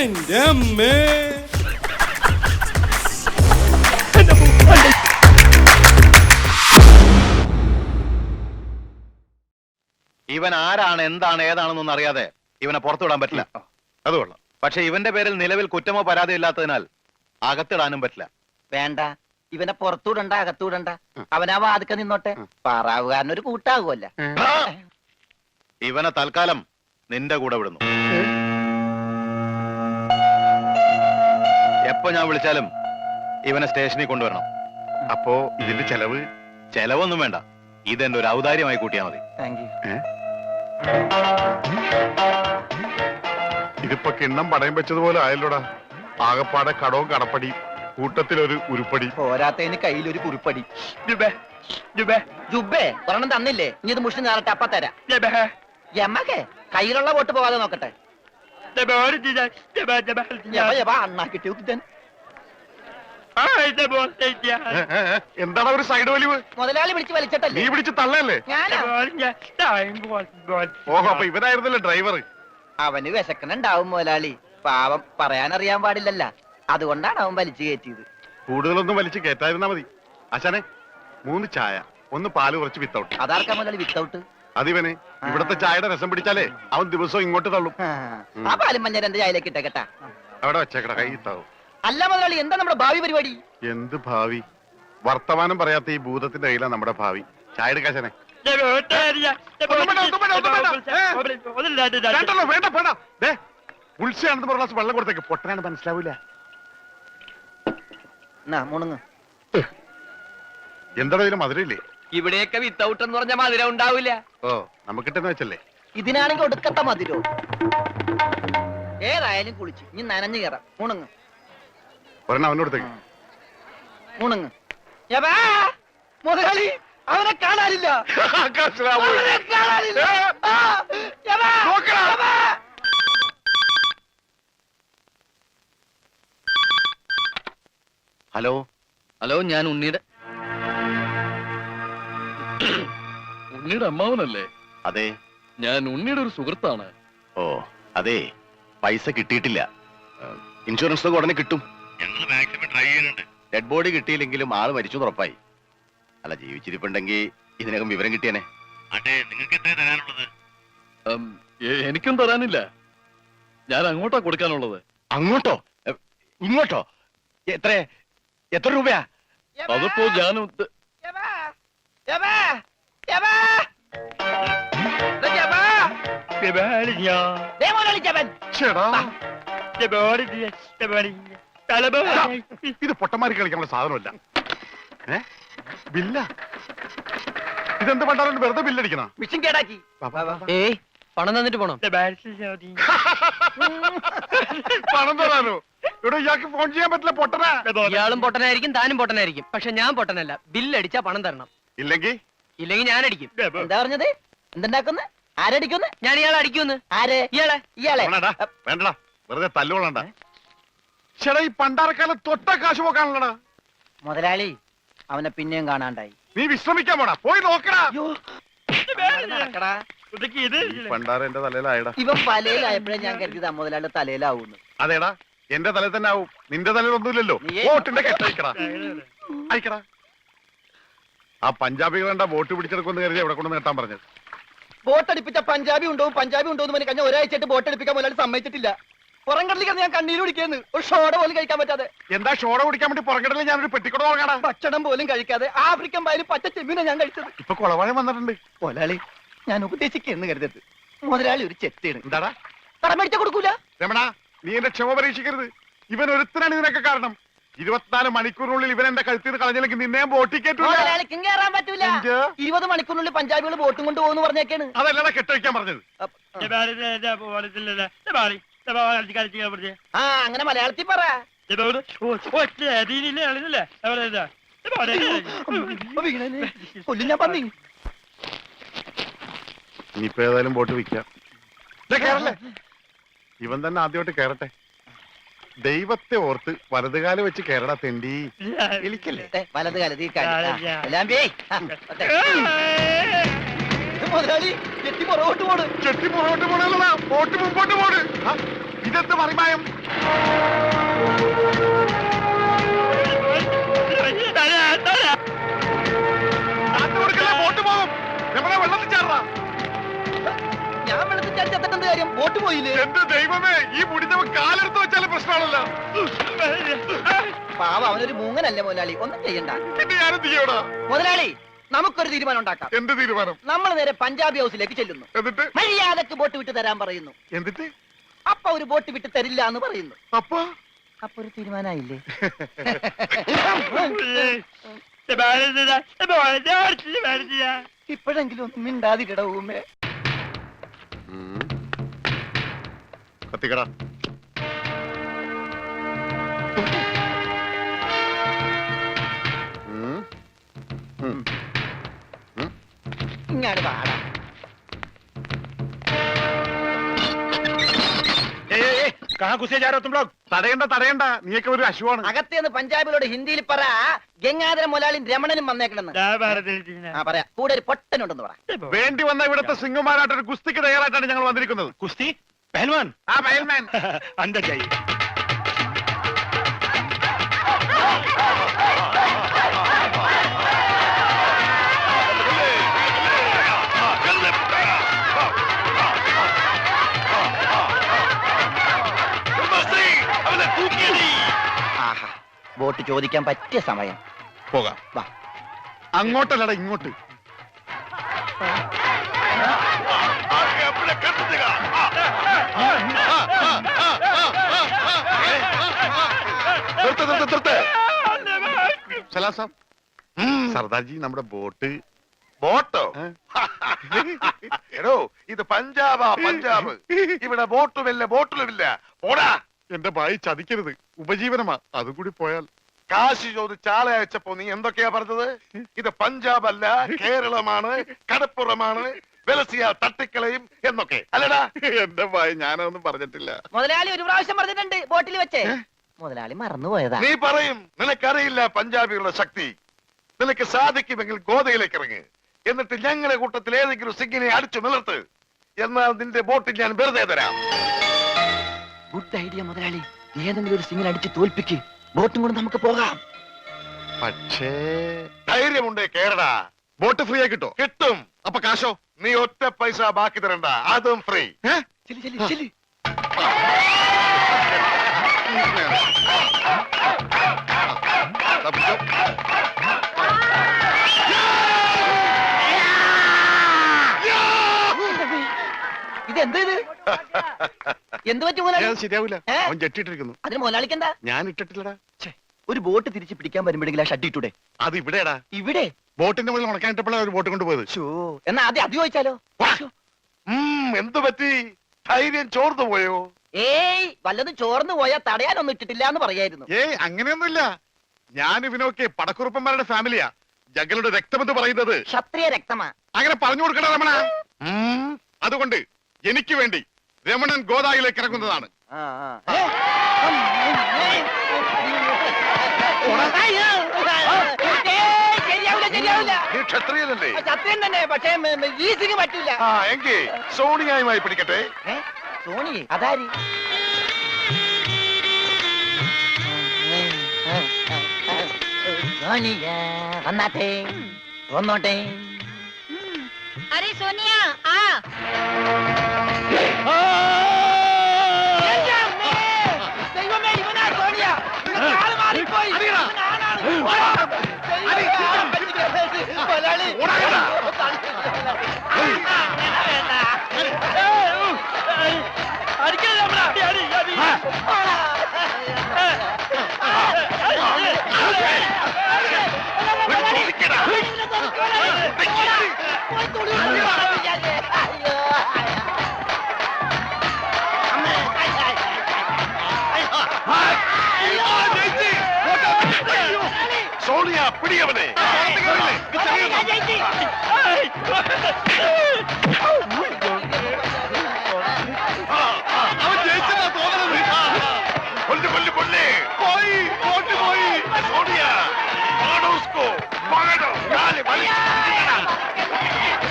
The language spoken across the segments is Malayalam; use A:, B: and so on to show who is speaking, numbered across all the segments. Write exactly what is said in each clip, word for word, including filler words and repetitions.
A: എന്റെ അമ്മേ.
B: ഇവൻ ആരാണ്, എന്താണ്, ഏതാണെന്നൊന്നും അറിയാതെ ഇവനെ പുറത്തുവിടാൻ പറ്റില്ല. അതുകൊള്ളാം. പക്ഷെ ഇവന്റെ പേരിൽ നിലവിൽ കുറ്റമോ പരാതിയോ ഇല്ലാത്തതിനാൽ അകത്തിടാനും പറ്റില്ല.
C: വേണ്ട, ഇവനെ പുറത്തുവിടണ്ട, അകത്തുവിടണ്ട. അവനാ വാതുക്ക നിന്നോട്ടെ. പാറാവുകാരനൊരു കൂട്ടാകുമല്ല.
B: ഇവനെ തൽക്കാലം നിന്റെ കൂടെ വിടുന്നു. എപ്പോ ഞാൻ വിളിച്ചാലും ഇവനെ സ്റ്റേഷനിൽ കൊണ്ടുവരണം.
D: അപ്പോ ഇതിന്റെ ചെലവ്?
B: ചെലവൊന്നും വേണ്ട, ഇതെന്റെ ഒരു ഔദാര്യമായി കൂട്ടിയാ മതി.
C: Thank you.
D: ഇതിപ്പോ കിണ്ണം പടയം വെച്ചതുപോലെ ആയല്ലോടാ. ആകപ്പാടെ കടവും കടപ്പടി, കൂട്ടത്തിലൊരു ഉരുപ്പടി.
C: പോരാത്തതിന് കയ്യിലൊരു കുറിപ്പടി. ജുബേ ഒരെണ്ണം തന്നില്ലേ, ഇനി ഇത് മുഷിന് നേരട്ടെ, അപ്പ തരാം. യമകെ കയ്യിലുള്ള വോട്ട് പോകാതെ നോക്കട്ടെ. അണ്ണാക്കിട്ട്
D: എന്താണ് ഒരു സൈഡ് വലിവ്?
C: മുതലാളി പിടിച്ച് വലിച്ചിട്ടല്ലേ?
D: നീ പിടിച്ച് തള്ളല്ലേ? ഓഹോ, അപ്പൊ ഇവനായിരുന്നല്ലേ ഡ്രൈവർ?
C: അവന് വിശക്കണുണ്ടാവും മുതലാളി. പാവം, പറയാനറിയാൻ പാടില്ലല്ല, അതുകൊണ്ടാണ് അവൻ വലിച്ചു കയറ്റിയത്.
D: കൂടുതലൊന്നും വലിച്ചു കയറ്റായിരുന്നാ മതി. അച്ഛനെ മൂന്ന് ചായ, ഒന്ന് പാല് കുറച്ച് വിത്തൗട്ട്.
C: അതാർക്കാ മുതലാളി വിത്തൗട്ട്?
D: അതിവന് ഇവിടത്തെ ചായയുടെ രസം പിടിച്ചാലേ അവൻ ദിവസവും ഇങ്ങോട്ട് തള്ളും.
C: ആ പാലും മഞ്ഞ രണ്ട് ചായയിലേക്ക് ഇട്ടേക്കട്ടാ.
D: അവിടെ വെച്ചേക്കട, കൈ താവും.
C: അല്ല മുതലാളി, എന്താ നമ്മുടെ ഭാവി പരിപാടി?
D: എന്ത് ഭാവി? വർത്തമാനം പറയാത്ത ഈ ഭൂതത്തിന്റെ കയ്യിലാണ് നമ്മുടെ ഭാവി. ചായ എടുക്കാശനെ. ഉത്സയാണെന്ന് പറഞ്ഞ വെള്ളം കൊടുത്തേക്ക്. പൊട്ടനാണ്, മനസ്സിലാവൂല. എന്താ ഇതിന് മധുരയില്ലേ?
C: ഇവിടെയൊക്കെ വിത്തൗട്ട് എന്ന് പറഞ്ഞ മധുരം ഉണ്ടാവില്ല.
D: ഓ, നമുക്കിട്ടെന്ന് വെച്ചല്ലേ.
C: ഇതിനാണെങ്കിൽ ഒടുക്കത്ത മധുരോ. ഏതായാലും കുളിച്ച് ഇനി നനഞ്ഞു കയറാം. മുണുങ്ങ്
D: ഒരെണ്ണം അവനോടത്തേക്ക്.
C: മുണുങ്ങ്. മുതലാളി, അവനെ കാണാനില്ല. അവനെ കാണാനില്ല. ആ, യവാ, യവാ.
B: ഹലോ
E: ഹലോ, ഞാൻ ഉണ്ണിയുടെ ഉണ്ണിയുടെ അമ്മാവനല്ലേ?
B: അതെ,
E: ഞാൻ ഉണ്ണിയുടെ ഒരു സുഹൃത്താണ്.
B: ഓ അതെ, പൈസ കിട്ടിയിട്ടില്ല. ഇൻഷുറൻസ് ഉടനെ കിട്ടും. ഡെഡ് ബോഡി കിട്ടിയില്ലെങ്കിലും ആള് മരിച്ചു ഉറപ്പായി. അല്ല, ജീവിച്ചിരിപ്പുണ്ടെങ്കിൽ ഇതിനകം വിവരം കിട്ടിയനെ.
E: എനിക്കും തരാനില്ല, ഞാൻ അങ്ങോട്ടാ കൊടുക്കാനുള്ളത്.
B: അങ്ങോട്ടോ ഇങ്ങോട്ടോ? എത്ര എത്ര രൂപയാ?
E: അതിപ്പോ ഞാൻ
D: ഇത് പൊട്ടന്മാരി കളിക്കാനുള്ള സാധനമല്ല. ഏ ബില്ല? ഇതെന്ത് പണ്ടാലും വെറുതെ ബില്ലടിക്കണ?
C: മിഷൻ കേടാക്കി.
E: ഏയ്, പണം തന്നിട്ട് പോണം.
D: പണം തരാനോ? ഇവിടെ ഇയാൾക്ക് ഫോൺ ചെയ്യാൻ പറ്റില്ല. പൊട്ടനാ.
E: ഇയാളും പൊട്ടനായിരിക്കും, താനും പൊട്ടനായിരിക്കും. പക്ഷെ ഞാൻ പൊട്ടനല്ല. ബില്ലടിച്ചാ പണം തരണം.
D: ഇല്ലെങ്കിൽ
E: ഇല്ലെങ്കിൽ ഞാൻ അടിക്കും.
C: എന്താ പറഞ്ഞത്? എന്തുണ്ടാക്കുന്നു? ആരടിക്കുന്നു?
E: ഞാൻ ഇയാളെ അടിക്കുന്നു.
C: ആരെ? ഇയാളെ. ഇയാളെ
D: വേണ്ടടാ, വെറുതെ തല്ലുകൊള്ളണ്ട. ചേട്ടാ, ഈ പണ്ടാരക്കാലം തൊട്ട കാശ് പോക്കാണല്ലടാ.
C: മുതലാളി, അവനെ പിന്നെയും കാണാണ്ടായി.
D: നീ വിശ്രമിക്കാൻ പോടാ, പോയി നോക്കടാ.
C: നടക്കടാ.
D: പണ്ടാര എന്റെ തലയിലായടാ.
C: ഇവൻ പലയിലായപ്പോഴേ ഞാൻ കരുതിയത് മുതലാളിയുടെ തലയിലാവൂന്ന്.
D: അതേടാ, എന്റെ തലയിൽ തന്നെ ആവും. നിന്റെ തലയിൽ ഒന്നുമില്ലല്ലോ. വോട്ടിന്റെ കെട്ടയക്കടാ, അയക്കടാ. ആ പഞ്ചാബികളെന്താ വോട്ട് പിടിച്ചെടുക്കുമെന്ന് കരുതി എവിടെ കൊണ്ടു നേട്ടാൻ പറഞ്ഞത്.
C: ബോട്ടടിപ്പിച്ച പഞ്ചാബി ഉണ്ടോ പഞ്ചാബി ഉണ്ടോ എന്ന് പറഞ്ഞ് കഴിഞ്ഞാൽ ഒരാഴ്ചയായിട്ട് ബോട്ടടിപ്പിക്കാൻ മുതലാളി സമ്മതിച്ചിട്ടില്ല. പുറംകടലിൽ ഞാൻ കണ്ണീര് കുടിക്കുന്നു. ഒരു ഷോട പോലും കഴിക്കാൻ പറ്റാതെ.
D: എന്താ ഷോട കുടിക്കാൻ വേണ്ടി പുറംകടലിൽ ഞാനൊരു പെട്ടിക്കൂടെ തുടങ്ങാടാ.
C: ഭക്ഷണം പോലും കഴിക്കാതെ ആഫ്രിക്കൻ പായലും പച്ച ചെമ്മീനെ ഞാൻ കഴിച്ചത്.
D: ഇപ്പൊ കുളവാഴം വന്നിട്ടുണ്ട്.
C: മുതലാളി, ഞാൻ ഉപദേശിക്കുന്നു കരുതരുത്. മുതലാളി ഒരു ചെത്തിയാണ്.
D: എന്താടാ?
C: കടം മേടിച്ച കൊടുക്കൂല.
D: രമണ, നീ എന്റെ ക്ഷമ പരീക്ഷിക്കരുത്. ഇവൻ ഒരുത്തനാണ് ഇതിനൊക്കെ കാരണം. ഇരുപത്തിനാല് മണിക്കൂറിനുള്ളിൽ ഇവൻ എന്റെ കഴുത്തിൽ നിന്ന് കളഞ്ഞില്ലെങ്കിൽ നിന്നെയും ബോട്ടിൽ കയറ്റൂല.
C: മുതലാളിക്കും കയറാൻ പറ്റൂല. ഇരുപത് മണിക്കൂറിനുള്ളിൽ പഞ്ചാബികൾ ബോട്ടും കൊണ്ട് പോകുന്നു പറഞ്ഞേക്കാണ്.
D: അതല്ലടാ കെട്ടഴിക്കാൻ പറഞ്ഞത്.
C: ആ, അങ്ങനെ മലയാളത്തിൽ പറ. കൊല്ലും ഞാൻ പന്നി.
D: ഇനിയിപ്പോ ഏതായാലും ബോട്ട് വിൽക്കാം. കേറല്ലേ, ഇവൻ തന്നെ ആദ്യമായിട്ട് കേറട്ടെ. ദൈവത്തെ ഓർത്ത് വലതുകാലം വെച്ച് കേരള തെണ്ടി.
C: വിളിക്കല്ലേ വലത് കാലത്ത് ഈ മുതലാളി ചെട്ടി പുറകോട്ട് പോണ്.
D: ചെട്ടി പുറകോട്ട് പോണല്ലടാ, ബോട്ട് മുമ്പോട്ട് പോണ്. ഇതെന്ത് മറിമായം? കാറ്റ് കൊടുക്കല്ലേ, ബോട്ട് പോകും. രമണ വെള്ളത്തിൽ ചാടാ.
C: ഞാൻ വെള്ളത്തിൽ ചാടിച്ചെത്തേണ്ട എന്ത് കാര്യം? ബോട്ട് പോയില്ലേ?
D: എന്റെ ദൈവമേ, ഈ മുടിഞ്ഞവൻ കാലെടുത്ത് വെച്ചാലും പ്രശ്നമാണല്ലോ.
C: പാവ, അവനൊരു മൂങ്ങനല്ലേ മുതലാളി, ഒന്നും ചെയ്യണ്ട.
D: പിന്നെ ഞാനെന്ത് ചെയ്യടാ?
C: മുതലാളി, നമുക്കൊരു തീരുമാനം ഉണ്ടാക്കാം.
D: എന്ത് തീരുമാനം?
C: നമ്മൾ നേരെ പഞ്ചാബി ഹൗസിലേക്ക് ചെല്ലുന്നു.
D: എന്നിട്ട്
C: മര്യാദക്ക് ബോട്ട് വിട്ട് തരാൻ പറയുന്നു.
D: എന്നിട്ട്
C: അപ്പൊ ഒരു ബോട്ട് വിട്ട് തരില്ല എന്ന് പറയുന്നു.
D: അപ്പൊ
C: അപ്പൊ ഒരു തീരുമാനമായില്ലേ? ഇപ്പോഴെങ്കിലും ഒന്നും മിണ്ടാതിരിട ഊമേ.
D: കത്തിക്കട.
C: ഇങ്ങാട് പാടാ.
D: തടയണ്ട തടയണ്ട, നീയൊക്കെ ഒരു അശുവാണ്.
C: അകത്തേന്ന് പഞ്ചാബിലോട് ഹിന്ദിയിൽ പറ, ഗംഗാധര മുതലാളി രമണനും വന്നേക്കണെന്ന്. ആ പറയാ, കൂടെ ഒരു പൊട്ടനുണ്ടെന്ന് പറ.
D: വേണ്ടി വന്ന ഇവിടുത്തെ സിംഗുമാരായിട്ട് ഒരു കുസ്തിക്ക് തയ്യാറായിട്ടാണ് ഞങ്ങൾ വന്നിരിക്കുന്നത്.
A: കുസ്തി പഹൽവാൻ
D: ആ പയൽമാൻ
A: अंदर जाइए
C: ആഹാ, ബോട്ട് ചോദിക്കാൻ പറ്റിയ സമയം.
D: പോകാം.
C: വാ.
D: അങ്ങോട്ടല്ലടാ, ഇങ്ങോട്ട്. നിർത്ത്, നിർത്ത്, നിർത്ത്. സലാം സാബ്. സർദാർജി, നമ്മുടെ ബോട്ട്.
F: ബോട്ടോ?
D: ഏ?
F: എടോ, ഇത് പഞ്ചാബാ, പഞ്ചാബ്. ഇവിടെ ബോട്ടുമില്ല, ബോട്ടിലുമില്ല. പോടാ.
D: എന്റെ ഭായി ചതിക്കരുത്, ഉപജീവനമാ. അതും കൂടി പോയാൽ.
F: കാശ് ചോദിച്ച് ആളെ അയച്ചപ്പോ നീ എന്തൊക്കെയാ പറഞ്ഞത്? ഇത് പഞ്ചാബ് അല്ല, കേരളമാണ്, കടപ്പുറമാണ്, വെലസിയ തട്ടിക്കളയും എന്നൊക്കെ അല്ലടാ.
D: എന്റെ ഭായി, ഞാനതൊന്നും പറഞ്ഞിട്ടില്ല.
C: മുതലാളി ഒരു പ്രാവശ്യം പറഞ്ഞിട്ടുണ്ട് ബോട്ടിൽ വെച്ചേ. മുതലാളി മറന്നുപോയതാ.
F: നീ പറയും നിനക്കറിയില്ല പഞ്ചാബികളുടെ ശക്തി. നിനക്ക് സാധിക്കുമെങ്കിൽ ഗോതയിലേക്ക് ഇറങ്ങ്. എന്നിട്ട് ഞങ്ങളുടെ കൂട്ടത്തിൽ ഏതെങ്കിലും സിംഗിനെ അടിച്ചു നിലർത്ത്. എന്നാൽ നിന്റെ ബോട്ടിൽ ഞാൻ വെറുതെ തരാം.
C: ഗുഡ് ഐഡിയ മുതലാളി. ഏതെങ്കിലും ഒരു സിംഗിനെ അടിച്ച് തോൽപ്പിക്ക്, ബോട്ടും കൊണ്ട് നമുക്ക് പോകാം.
D: പക്ഷേ
F: ധൈര്യമുണ്ടേ കേരടാ.
D: ബോട്ട് ഫ്രീ ആയി കിട്ടോ?
F: കിട്ടും.
D: അപ്പൊ കാശോ?
F: നീ ഒറ്റ പൈസ ബാക്കി തരണ്ട, അതും ഫ്രീ.
C: ചെല്ലി ചെല്ലി ചെല്ലി. ഇതെന്ത് ഇത്? എന്ത് പറ്റി മുതലാളി?
D: അത് ശരിയാവില്ല.
C: ഏ?
D: അവൻ ജെട്ടിട്ടിരിക്കുന്നു.
C: അതിന് മുതലാളിക്ക് എന്താ?
D: ഞാൻ ഇട്ടിട്ടില്ലടാ.
C: ഒരു ബോട്ട് തിരിച്ച് പിടിക്കാൻ വരുമ്പോഴെങ്കിലും ആ ഷഡ് ഇട്ടൂടെ?
D: അത് ഇവിടെടാ.
C: ഇവിടെ?
D: ബോട്ടിന്റെ മുകളിൽ ഉണക്കാനിട്ടപ്പോഴാണ് ഒരു ബോട്ട് കൊണ്ടുപോയത്.
C: ഷോ, എന്നാ ആദ്യം അത് ചോദിച്ചാലോ?
F: ഉം, എന്തു പറ്റി? ധൈര്യം ചോർന്നു പോയോ?
C: ഏയ്, വല്ലതും ചോർന്നു പോയാൽ തടയാനൊന്നും ഇട്ടിട്ടില്ല എന്ന് പറയായിരുന്നു.
D: ഏയ്, അങ്ങനെയൊന്നുമില്ല. ഞാൻ ഇവനൊക്കെ പടക്കുറുപ്പന്മാരുടെ ഫാമിലിയാ. ജഗലുടെ രക്തമെന്ന് പറയുന്നത്
C: ക്ഷത്രിയ രക്തമാ.
D: അങ്ങനെ പറഞ്ഞു കൊടുക്കണ രമണ.
F: ഉം,
D: അതുകൊണ്ട് എനിക്ക് വേണ്ടി രമണൻ ഗോദായിലേക്ക് ഇറങ്ങുന്നതാണ്.
C: ആ, ആ. ഏ? ഏയ്, ശരിയാവില്ല ശരിയാവില്ല.
F: നീ ക്ഷത്രിയനല്ലേ?
C: സത്യം തന്നെ, പക്ഷേ ഈസിക്ക് പറ്റില്ല.
F: ആ, എങ്കിൽ സോണിയായുമായി പിടിക്കട്ടെ.
C: ഏ? സോണി അതാരി? സോണിയ വന്നാട്ടെ, വന്നോട്ടെ.
G: अरे सोनिया आ
C: ദൈവമേ, ഇവനാ സോണിയ. ഇവന് കാല് മാറിപ്പോയി. ഇവനാണാണ്. മുതലാളി. അടിക്കല്ലേ നമ്മളെ? അടി, അടി, അടി.
F: സോണിയ, പിടിയവനെ.
D: അവൻ ജയിച്ചെന്നാ തോന്നണത്.
F: കൊല്ല്, കൊല്ല്, കൊല്ല്. പോയി, ബോട്ട് പോയി. സോണിയ, പകടോ ഉസ്കോ, പകടോ. കാല് വലിച്ച് പിടിക്കടാ.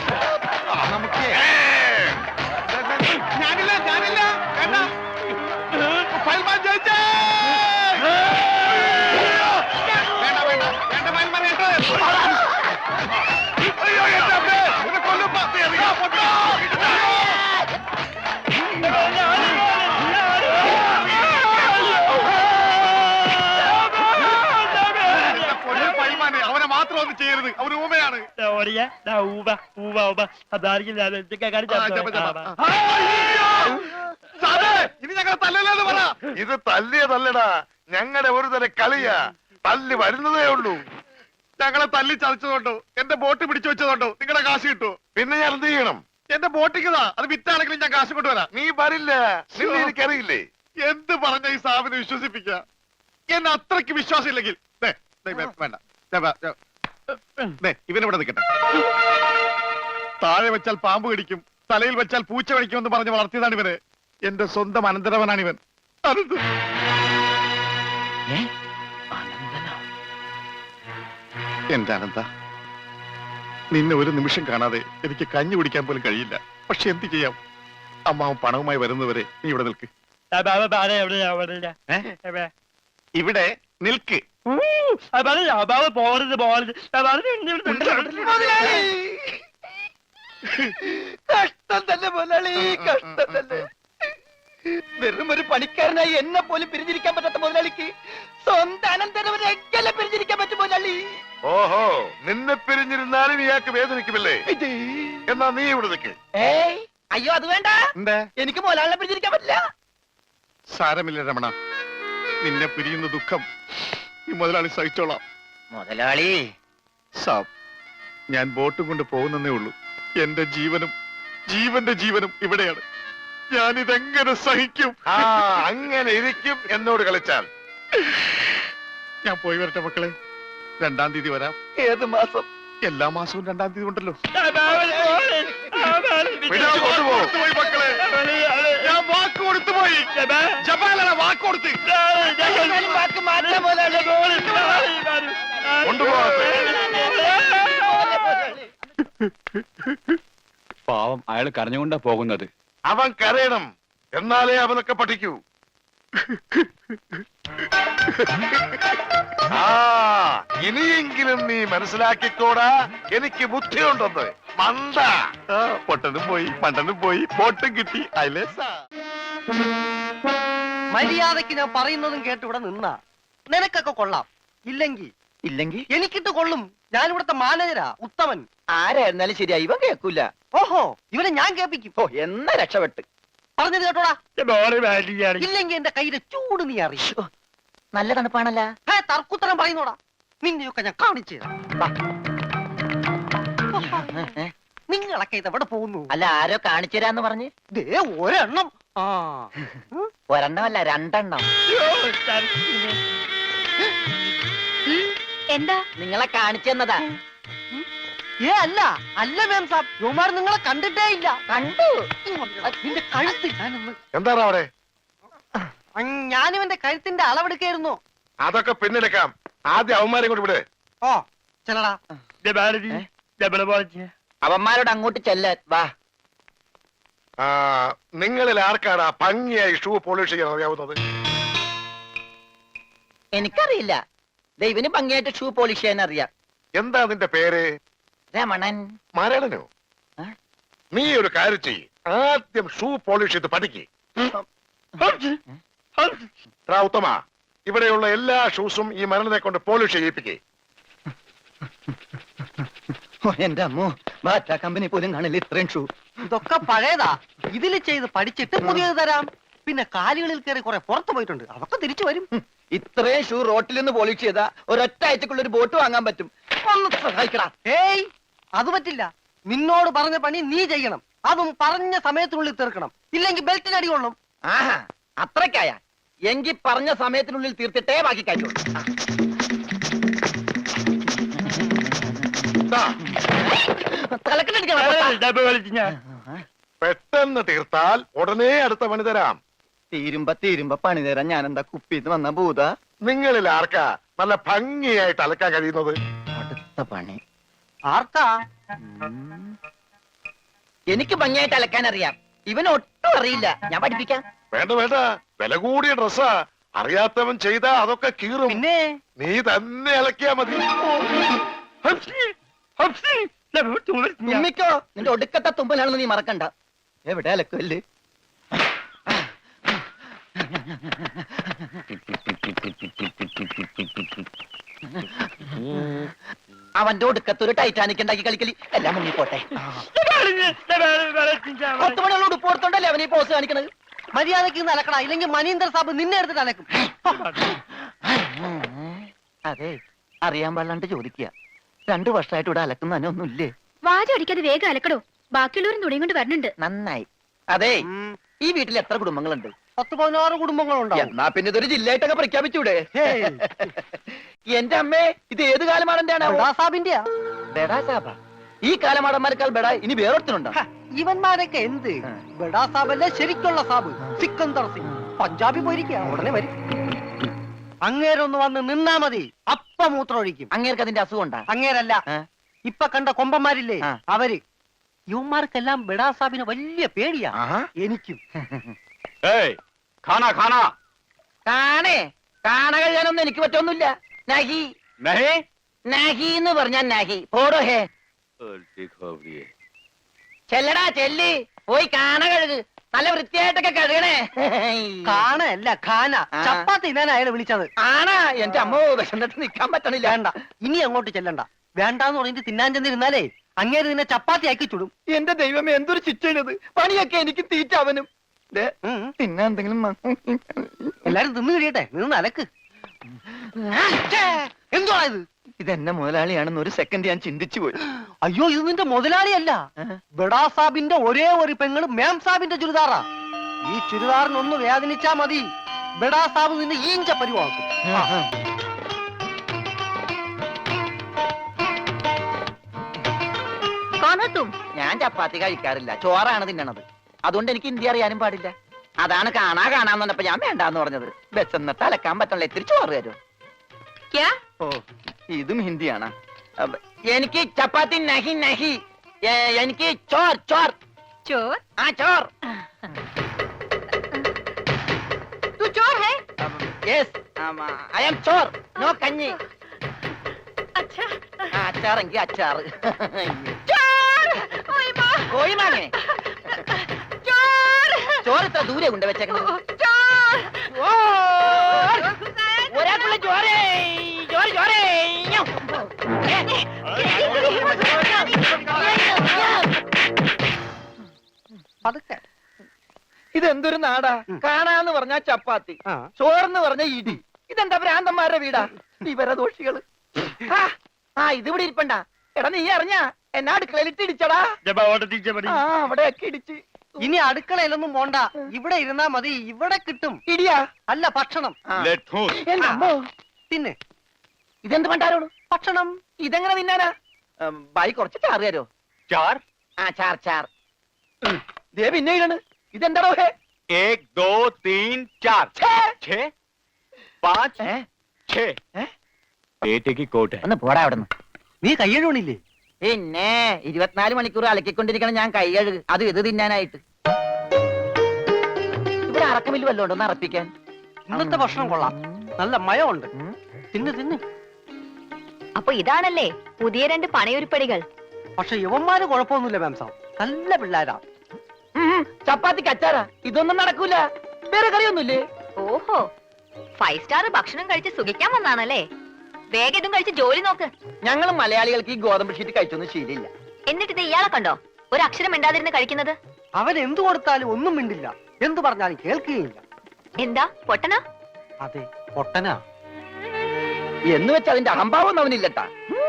D: നമുക്ക്
F: ഏ,
D: ഞാനില്ല, ഞാനില്ല. വേണ്ട. ജയിച്ചേ! വേണ്ട, വേണ്ട, വേണ്ട, മയന്മാർ കേട്ടോ? അയ്യോ, എന്റെ അമ്മേ, ഇത് കൊല്ലും പാപ്പി, അറിയാം, പൊട്ടോ. എന്റെ പൊന്നു പയ്യന്മാനെ, അവനെ മാത്രം ഒന്നും ചെയ്യരുത്, അവന് ഊമയാണ്. ആ, ജപ, ജപ. അയ്യോ! സാറേ, ഇനി ഞങ്ങളെ തല്ലല്ലെന്ന് പറ.
F: ഇത് തല്ലിയതല്ലടാ, ഞങ്ങളുടെ ഒരു തരം കളിയാ. തല്ലി വരുന്നതേ ഉള്ളൂ.
D: ഞങ്ങളെ തല്ലി ചതച്ചതുകൊണ്ടോ എന്റെ ബോട്ട് പിടിച്ചു വെച്ചതുകൊണ്ടോ നിങ്ങളുടെ കാശ് കിട്ടുമോ?
F: പിന്നെ ഞാൻ എന്ത് ചെയ്യണം?
D: എന്റെ ബോട്ടിക്കതാ, അത് വിറ്റാണെങ്കിലും ഞാൻ കാശ് കൊണ്ടുവരാം.
F: നീ വരില്ല, നിന്നെ എനിക്കറിയില്ലേ.
D: എന്ത് പറഞ്ഞ ഈ സാബിനെ വിശ്വസിപ്പിക്കുക? എന്നെ അത്രയ്ക്ക് വിശ്വാസം ഇല്ലെങ്കിൽ ദേ, ദേ, വേ- വേണ്ട ദേ, വേ- ദേ, ദേ, ഇവനിവിടെ നിൽക്കട്ടെ. താഴെ വെച്ചാൽ പാമ്പ് കടിക്കും, തലയിൽ വെച്ചാൽ പൂച്ച കടിക്കുമെന്ന് പറഞ്ഞ് വളർത്തിയതാണ് ഇവന്. എന്റെ സ്വന്തം അനന്തരവനാണ് ഇവൻ. അനന്ത എന്റെ അനന്ത, നിന്നെ ഒരു നിമിഷം കാണാതെ എനിക്ക് കഞ്ഞി കുടിക്കാൻ പോലും കഴിയില്ല. പക്ഷെ എന്ത് ചെയ്യാം, അമ്മാവൻ പണവുമായി വരുന്നവരെ നീ ഇവിടെ നിൽക്ക്. ഇവിടെ നിൽക്ക്.
E: പോകരുത് പോകരുത്
C: മുതലാളി! കഷ്ടം തന്നെ മുതലാളി, കഷ്ടം തന്നെ. വെറും ഒരു പണിക്കാരനായി എന്നെ പോലും പിരിഞ്ഞിരിക്കാൻ പറ്റാത്ത മുതലാളിക്ക് സ്വന്തം അനന്തരവനെ എങ്ങനെ പിരിഞ്ഞിരിക്കാൻ പറ്റും മുതലാളി?
F: ഓഹോ, നിന്നെ പിരിഞ്ഞിരുന്നാലും ഇയാൾക്ക് വേദനിക്കുമല്ലേ? എന്നാ നീ ഇവിടെ നിൽക്ക്.
C: ഏയ് അയ്യോ, അത് വേണ്ട.
D: എന്താ?
C: എനിക്ക് മുതലാളിനെ പിരിഞ്ഞിരിക്കാൻ പറ്റില്ല.
D: സാരമില്ല രമണ, നിന്നെ പിരിയുന്ന ദുഃഖം ഈ മുതലാളി സഹിച്ചോളാം.
C: മുതലാളി
D: സാബ്, ഞാൻ ബോട്ടും കൊണ്ട് പോകുന്നേ ഉള്ളൂ. എന്റെ ജീവനും ജീവന്റെ ജീവനും ഇവിടെയാണ്. ഞാനിതെങ്ങനെ സഹിക്കും?
F: ആ, അങ്ങനെ ഇരിക്കും എന്നോട് കളിച്ചാൽ.
D: ഞാൻ പോയി വരട്ടെ മക്കളെ. രണ്ടാം തീയതി വരാം.
C: ഏത് മാസം?
D: എല്ലാ മാസവും രണ്ടാം തീയതി ഉണ്ടല്ലോ.
F: വിടാൻ കൊണ്ടുപോ.
D: പോയി മക്കളെ, ഞാൻ വാക്ക് കൊടുത്തു പോയി. ജപാലന വാക്ക് കൊടുത്ത്.
C: എന്തായാലും വാക്ക് മാറ്റാം മുതലാളി.
F: കൊണ്ടുപോകട്ടെ.
A: പാവം അയാൾ കരഞ്ഞുകൊണ്ടാ പോകുന്നത്.
F: അവൻ കരയണം, എന്നാലേ അവനൊക്കെ പഠിക്കൂ. ആ, ഇനിയെങ്കിലും നീ മനസ്സിലാക്കിക്കോടാ, എനിക്ക് ബുദ്ധിയുണ്ടെന്ന്. മണ്ട.
D: ആ, പൊട്ടനും പോയി, മണ്ടനും പോയി, ബോട്ടും കിട്ടി. അയലേസാ.
E: മര്യാദക്ക് ഞാൻ പറയുന്നതും കേട്ട് ഇവിടെ നിന്നാ നിനക്കൊക്കെ കൊള്ളാം. ഇല്ലെങ്കിൽ
C: ഇല്ലെങ്കിൽ
E: എനിക്കിട്ട് കൊള്ളും. ഞാൻ ഇവിടുത്തെ മാനേജരാ, ഉത്തമൻ.
C: ആരായിരുന്നാലും ശരിയാ, ഇവൻ കേൾക്കൂല.
E: ഓഹോ, ഇവനെ ഞാൻ കേൾപ്പിക്കും.
C: ഓ, എന്നാ രക്ഷപ്പെട്ട്.
E: പറഞ്ഞത് കേട്ടോടാ. ഇല്ലെങ്കിൽ എന്റെ കയ്യിലെ ചൂട് നീ അറിയും.
C: നല്ല തണുപ്പാണല്ലോ.
E: ഹേ, തർക്കുത്തരം പറയുന്നോടാ. നിന്നെയൊക്കെ ഞാൻ കാണിച്ചു തരാം. നിങ്ങളൊക്കെ ഇത് എവിടെ പോകുന്നു?
C: അല്ല, ആരോ കാണിച്ചു തരാന്ന് പറഞ്ഞ്.
E: ദേ ഒരെണ്ണം. ആ
C: ഒരെണ്ണമല്ല, രണ്ടെണ്ണം.
G: എന്താ?
C: നിങ്ങളെ കാണിച്ചു തന്നതാ.
E: ഏ അല്ല അല്ല മേം സാബ്, യുമാർ നിങ്ങളെ കണ്ടിട്ടേ ഇല്ല.
C: കണ്ടു.
E: നിന്റെ കഴുത്ത് ഞാനൊന്ന്
F: എന്താണ് അവിടെ?
E: ഞാനിവന്റെ കഴുത്തിന്റെ അളവെടുക്കായിരുന്നു.
F: അതൊക്കെ പിന്നെടുക്കാം. ആദ്യം അവന്മാരെ കൊണ്ട് വിട്.
E: ഓ ചെല്ലടാ.
C: അവന്മാരോട് അങ്ങോട്ട് ചെല്ലാൻ വാ.
F: ആ, നിങ്ങളിൽ ആർക്കാണ് ഭംഗിയായി ഷൂ പോളിഷ് ചെയ്യാൻ അറിയാവുന്നത്?
C: എനിക്കറിയില്ല. ദൈവന് ഭംഗിയായിട്ട് ഷൂ പോളിഷ് ചെയ്യാൻ അറിയാം.
F: എന്താ നിന്റെ പേര്?
C: രമണൻ.
F: മരണനോ?
C: ആ?
F: നീ ഒരു കാര്യം ചെയ്യ്, ആദ്യം ഷൂ പോളിഷ് ചെയ്ത് പഠിക്ക്. ഉത്തമ, ഇവിടെയുള്ള എല്ലാ ഷൂസും ഈ മരണനെ കൊണ്ട് പോളിഷ് ചെയ്യിപ്പിക്കേ.
C: ഓ, എന്റെ അമ്മോ, ബാറ്റ കമ്പനി പോലും കാണില്ല ഇത്രയും ഷൂ.
E: ഇതൊക്കെ പഴയതാ. ഇതിൽ ചെയ്ത് പഠിച്ചിട്ട് പുതിയത് തരാം. പിന്നെ കാലുകളിൽ കയറി കുറെ പുറത്തു പോയിട്ടുണ്ട്, അതൊക്കെ തിരിച്ചു വരും.
C: ഇത്രയും ഷൂ റോട്ടിൽ നിന്ന് പോളിഷ് ചെയ്താ ഒരൊറ്റ ആഴ്ചക്കുള്ള ഒരു ബോട്ട് വാങ്ങാൻ പറ്റും. ഒന്ന് സഹായിക്കടാ.
E: ഏയ് അത് പറ്റില്ല. നിന്നോട് പറഞ്ഞ പണി നീ ചെയ്യണം. അതും പറഞ്ഞ സമയത്തിനുള്ളിൽ തീർക്കണം. ഇല്ലെങ്കിൽ ബെൽറ്റിന് അടി കൊള്ളും.
C: ആഹാ, അത്രക്കായ എങ്കി പറഞ്ഞ സമയത്തിനുള്ളിൽ തീർത്തിട്ടേ ബാക്കി കാര്യമുള്ളൂ.
F: പെട്ടെന്ന് തീർത്താൽ ഉടനെ അടുത്ത പണി തരാം.
C: തീരുമ്പ തീരുമ്പ പണി തരാൻ ഞാൻ എന്താ കുപ്പിന്ന് വന്ന ഭൂത?
F: നിങ്ങളിൽ ആർക്കാ നല്ല ഭംഗിയായിട്ട് അലക്കാൻ കഴിയുന്നത്?
C: അടുത്ത പണി
E: ആർക്കാ?
C: എനിക്ക് ഭംഗിയായിട്ട് അലക്കാൻ അറിയാം. ഇവന് ഒട്ടും അറിയില്ല. ഞാൻ പഠിപ്പിക്കാം.
F: വേണ്ട വേണ്ട വില കൂടിയ ഡ്രസ്സാ. അറിയാത്തവൻ ചെയ്താ അതൊക്കെ കീറും.
E: പിന്നെ
F: നീ തന്നെ ഇളക്കിയാ മതി.
C: തുമ്മിക്കോ, നിന്റെ ഒടുക്കത്തെ തുമ്പലാണെന്ന് നീ മറക്കണ്ട. എവിടെ അലക്കല്ലേ? അവന്റെ ഒടുക്കത്ത് ഒരു ടൈറ്റാനിക് ഉണ്ടാക്കി കളിക്കലി എല്ലാം മുങ്ങിപ്പോട്ടെ. പത്ത് മണിയുള്ള ഉടുപ്പ് കൊടുത്തോണ്ടല്ലേ അവനീ പോസ് കാണിക്കണത്.
E: മര്യാദക്ക് ഇന്ന് അലക്കടാ, ഇല്ലെങ്കിൽ മനീന്ദർ സാബ് നിന്നെ എടുത്തിട്ട് അലക്കും.
C: അതെ, അറിയാൻ പാടില്ലാണ്ട് ചോദിക്കുക. രണ്ടു വർഷമായിട്ട് ഇവിടെ അലക്കുന്ന ഒന്നുമില്ലേ?
G: വാചടിക്കാതെ വേഗം അലക്കടോ, ബാക്കിയുള്ളവരും തുണിയും കൊണ്ട് വരുന്നുണ്ട്.
C: നന്നായി. അതെ, ഈ വീട്ടിൽ എത്ര കുടുംബങ്ങളുണ്ട്?
E: പത്ത് പതിനാറ് കുടുംബങ്ങളുണ്ടാവും.
C: എന്നാ പിന്നെ ഇതൊരു ജില്ലയായിട്ടൊക്കെ പ്രഖ്യാപിച്ചൂടെ? എന്റെ അമ്മേ, ഇത് ഏത് കാലമാടന്റെയാണ്?
E: ബഡാ സാബിന്റെയാ.
C: ബെടാ സാബ? ഈ കാലമാടന്മാരെക്കാൾ ബെടാ ഇനി വേറൊരുത്തനുണ്ടോ?
E: ഹ, ഇവന്മാരൊക്കെ എന്ത്? ബഡാ സാബല്ലേ ശരിക്കുള്ള സാബ്, സിക്കന്ദർ സിംഗ്. പഞ്ചാബി പോയിരിക്കുക, ഉടനെ വരും. അങ്ങേരൊന്ന് വന്ന് നിന്നാ മതി, അപ്പ മൂത്രം ഒഴിക്കും.
C: അങ്ങേർക്ക് അതിന്റെ അസുഖം ഉണ്ടാ?
E: അങ്ങേരല്ല, ഇപ്പൊ കണ്ട കൊമ്പന്മാരില്ലേ
C: ആ.
E: അവര്. യുവന്മാർക്കെല്ലാം ബഡാ സാബിന് വലിയ പേടിയാ. എനിക്കും.
A: ഏയ് ഖാന ഖാന
C: കാണേ കാണ കഴിയാനൊന്നും എനിക്ക് പറ്റൊന്നുമില്ല. നഹി
A: നഹി
C: നഹി എന്ന് പറഞ്ഞാൽ നഹി. പോടോ ഹേ.
A: ഉൽട്ടി ഖോബറിയെ
C: ചെല്ലടാ ചെല്ലി, പോയി കാണ കഴുക്. നല്ല വൃത്തിയായിട്ടൊക്കെ കഴുകണേ.
E: കാണല്ല ഖാന.
C: ആ.
E: ചപ്പാത്തി ഞാൻ അയാളെ വിളിച്ചത്.
C: ആണാ? എന്റെ അമ്മ വിശന്നിട്ട് നിക്കാൻ പറ്റണില്ല.
E: വേണ്ട, ഇനി അങ്ങോട്ട് ചെല്ലണ്ട. വേണ്ടാന്ന് പറഞ്ഞിട്ട് തിന്നാൻ ചെന്നിരുന്നാലേ അങ്ങേര് നിന്നെ ചപ്പാത്തി ആക്കി ചുടും.
C: എന്റെ ദൈവമേ, എന്തൊരു ശിക്ഷയാണിത്. പണിയൊക്കെ എനിക്ക് തീറ്റ അവനും.
E: ഉം.
C: പിന്നെ എന്തെങ്കിലും
E: എല്ലാരും തിന്നു കഴിയട്ടെ, നിന്ന് അലക്ക്. എന്തുവാ ഇത്?
C: ഇതെന്നെ മുതലാളിയാണെന്ന് ഒരു സെക്കൻഡ് ഞാൻ ചിന്തിച്ചു പോയി.
E: അയ്യോ, ഇത് നിന്റെ മുതലാളിയല്ല, ബഡാ സാബിന്റെ ഒരേ ഒരു പെങ്ങള് മേം സാബിന്റെ ചുരിദാറാ. ഈ ചുരിദാറിനൊന്ന് വേദനിച്ചാ മതി, ബഡാ സാബ് നിന്നെ ഈഞ്ച പരിവാക്കും.
C: ഞാൻ ചപ്പാത്തി കഴിക്കാറില്ല, ചോറാണ് തിന്നണത്. അതുകൊണ്ട് എനിക്ക് ഹിന്ദി അറിയാനും പാടില്ല. അതാണ് കാണാ കാണാന്ന് പറഞ്ഞപ്പോ ഞാൻ വേണ്ടാന്ന് പറഞ്ഞത്. ബസ് എന്നിട്ട് അലക്കാൻ പറ്റണല്ലോ, ഇത്തിരി ചോറ് തരുമോ? ഓ, ഇതും ഹിന്ദിയാണ്. അപ്പ- എനിക്ക് ചപ്പാത്തി നഹി നഹി. ഏ, എനിക്ക് ചോർ ചോർ
G: ചോർ
C: ആ ചോർ.
G: तू चोर है?
C: യെസ്, ഐ ആം ചോർ, നോ കഞ്ഞി.
G: अच्छा
C: ആ, അച്ചാറെങ്കി അച്ചാറ്.
G: चोर ओए माँ
C: കോഴി മാങ്ങേ.
G: चोर
C: ചോറ് ഇത്ര ദൂരെ കൊണ്ട് വെച്ചേക്കണത്.
G: चोर
C: ഒരാൾക്കുള്ള ചോരേ ചോര ചോരേ.
E: പതുക്കെ.
C: ഇതെന്തൊരു നാടാ? കാണാന്ന് പറഞ്ഞാ ചപ്പാത്തി,
E: ആ.
C: ചോറെന്ന് പറഞ്ഞ ഇടി. ഇതെന്താ ഭ്രാന്തന്മാരുടെ വീടാ? വിവരദോഷികള്. ആ, ആ ഇതിവിടെ ഇരിപ്പണ്ട. എടാ നീ അറിഞ്ഞാ എന്നാ അടുക്കളയിലിട്ട് ഇടിച്ചടാ? ആ, അവിടെയൊക്കെ ഇടിച്ച്.
E: ഇനി അടുക്കളയിലൊന്നും പോണ്ട, ഇവിടെ ഇരുന്നാ മതി. ഇവിടെ കിട്ടും
C: ഇടിയാ?
E: അല്ല, ഭക്ഷണം.
C: ആ.
A: ലെറ്റൂസ്
C: എന്റെ അമ്മോ,
E: തിന്നെ
C: ഇതെന്ത് പണ്ടാരോട്?
E: ഭക്ഷണം.
C: ഇതെങ്ങനെ തിന്നാനാ? ഉം, ബായി കുറച്ച് ചാറ് തരോ?
A: चार
C: ആ, ചാർ ചാർ. ഉം, ദേ പിന്നെ ഇടാണ്. ഇതെന്താടോ ഹേ?
A: एक दो तीन चार
C: ഛേ!
A: छह पाँच
C: ഏ?
A: छह
C: ഏ?
A: पेटे की कोट है
C: ഒന്ന് പോടാ അവിടെ നിന്ന്.
E: നീ കയ്യഴുവണില്ലേ?
C: പിന്നെ ഇരുപത്തിനാല് മണിക്കൂർ അലക്കിക്കൊണ്ടിരിക്കണം ഞാൻ കൈ കഴുകു. അത് ഇത് തിന്നാനായിട്ട്. ഇവിടെ അറക്കമില്ല വല്ലോണ്ട് ഒന്ന് അറപ്പിക്കാൻ.
E: ഇന്നത്തെ ഭക്ഷണം കൊള്ളാം, നല്ല മയമുണ്ട്. തിന്ന് തിന്ന്.
G: അപ്പൊ ഇതാണല്ലേ പുതിയ രണ്ട് പണയുരുപ്പടികൾ.
E: പക്ഷെ യുവന്മാര് കുഴപ്പമൊന്നുമില്ല മാംസം, നല്ല പിള്ളേരാ.
C: ഉം, ചപ്പാത്തിക്ക് അച്ചാറാ? ഇതൊന്നും നടക്കൂല. വേറെ കറിയൊന്നുമില്ലേ?
G: ഓഹോ, ഫൈവ് സ്റ്റാർ ഭക്ഷണം കഴിച്ച് സുഖിക്കാൻ വന്നാണല്ലേ? വേഗം ഇതും കഴിച്ച് ജോലി നോക്ക്.
C: ഞങ്ങൾ മലയാളികൾക്ക് ഈ ഗോതമ്പ് ഷീറ്റ് കഴിച്ചൊന്നും ശീലില്ല.
G: എന്നിട്ട് ഇത് ഇയാളെ കണ്ടോ ഒരു അക്ഷരം മിണ്ടാതിരുന്ന് കഴിക്കുന്നത്?
E: അവൻ എന്തു കൊടുത്താലും ഒന്നും മിണ്ടില്ല, എന്തു പറഞ്ഞാലും കേൾക്കുകയില്ല.
G: എന്താ പൊട്ടനാ?
E: അതെ, പൊട്ടനാ.
C: എന്ന് വെച്ച് അതിന്റെ അഹംഭാവം അവനില്ലട്ടാ.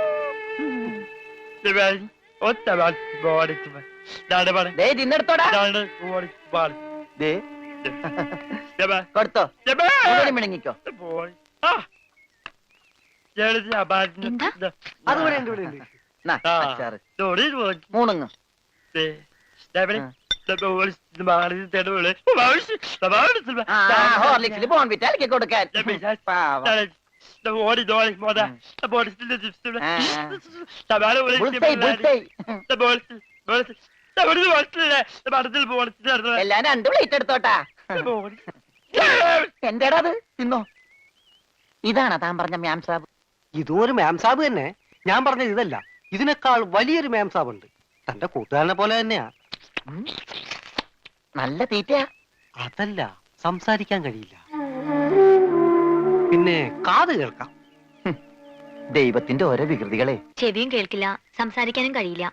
C: ദേ തിന്നെടുത്തോടാ. ദേ കൊടുത്തോ, മുഴുവനും മിണങ്ങിക്കോ.
G: എന്താ?
E: അത് ഇവിടെ ഉണ്ട്, ഇവിടെ ഉണ്ട്.
C: നാ, അച്ചാറ് മൂണുങ്ങ്. ആ, ഹോർലിക്സിൽ ബോൺവിറ്റ അലക്കി കൊടുക്കാൻ. പാവം. Bullseye, bullseye. എല്ലാം രണ്ട് പ്ലേറ്റ് എടുത്തോട്ടാ. എന്റേടാ അത് തിന്നോ. ഇതാണ് താൻ പറഞ്ഞ മ്യാം സാബ്.
E: ഇതും ഒരു മാം സാബ് തന്നെ. ഞാൻ പറഞ്ഞത് ഇതല്ല, ഇതിനേക്കാൾ വലിയൊരു മാം സാബ് ഉണ്ട്. തന്റെ കൂട്ടുകാരനെ പോലെ തന്നെയാ.
C: നല്ല തീറ്റയാ.
E: അതല്ല, സംസാരിക്കാൻ കഴിയില്ല, പിന്നെ കാത് കേൾക്കാം.
C: ദൈവത്തിന്റെ ഓരോ വികൃതികളെ.
G: ചെവിയും കേൾക്കില്ല, സംസാരിക്കാനും കഴിയില്ല.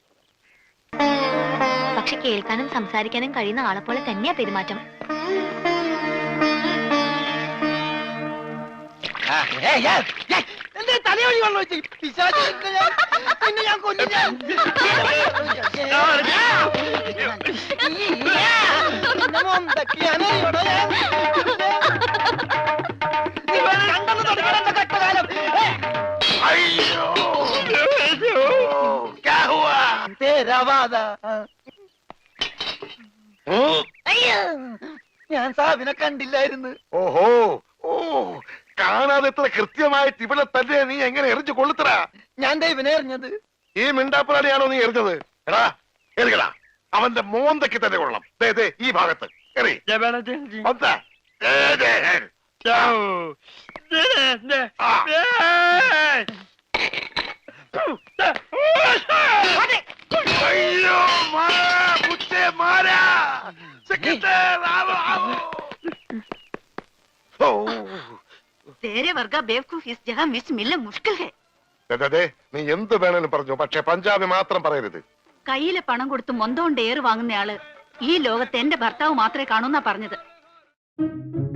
G: പക്ഷെ കേൾക്കാനും സംസാരിക്കാനും കഴിയുന്ന ആളെ പോലെ തന്നെയാ പെരുമാറ്റം.
E: തലയൊഴി വെള്ളം വെച്ച് പിശാച് പിന്നെ ഞാൻ കൊല്ലും ഞാൻ. നിന്നെ മൊന്തക്കിയാണ് ഇവിടെ ഞാൻ. ഇവൻ കണ്ടെന്ന് തുടങ്ങിയ എന്റെ കഷ്ടകാലം.
F: അയ്യോ ക്യാ ഹുവാ?
E: തേരാവാദ.
F: ഉം.
E: അയ്യോ, ഞാൻ സാബിനെ കണ്ടില്ലായിരുന്നു.
F: ഓഹോ ഓ കാണാതെ എത്ര കൃത്യമായിട്ട് ഇവിടെ തന്നെ നീ എങ്ങനെ എറിഞ്ഞു കൊള്ളുത്തറ?
E: ഞാൻ ദൈവനെ എറിഞ്ഞത്.
F: ഈ മിണ്ടാപ്പുറാണിയാണോ നീ എറിഞ്ഞത്? എടാ എറിയടാ, അവന്റെ മോന്തയ്ക്ക് തന്നെ കൊള്ളണം. ദേ ദേ ഈ ഭാഗത്ത് എറി. മൊന്ത. ദേ, ദേ. ആ. അയ്യോ മാറാ, മുച്ചേ മാറാ. സെക്രട്ടറി ആവോ ആവോ. ഓ
H: तेरे वर्गा बेवकूफ इस जगह मिस मिलना मुश्किल है.
F: ദേ, നീ എന്ത് വേണേലും പറഞ്ഞു, പക്ഷെ പഞ്ചാബി മാത്രം പറയരുത്.
H: കയ്യിലെ പണം കൊടുത്ത് മൊന്തം കൊണ്ട് ഏറ് വാങ്ങുന്നയാള് ഈ ലോകത്ത് എന്റെ ഭർത്താവ് മാത്രമേ കാണൂന്നാ പറഞ്ഞത്.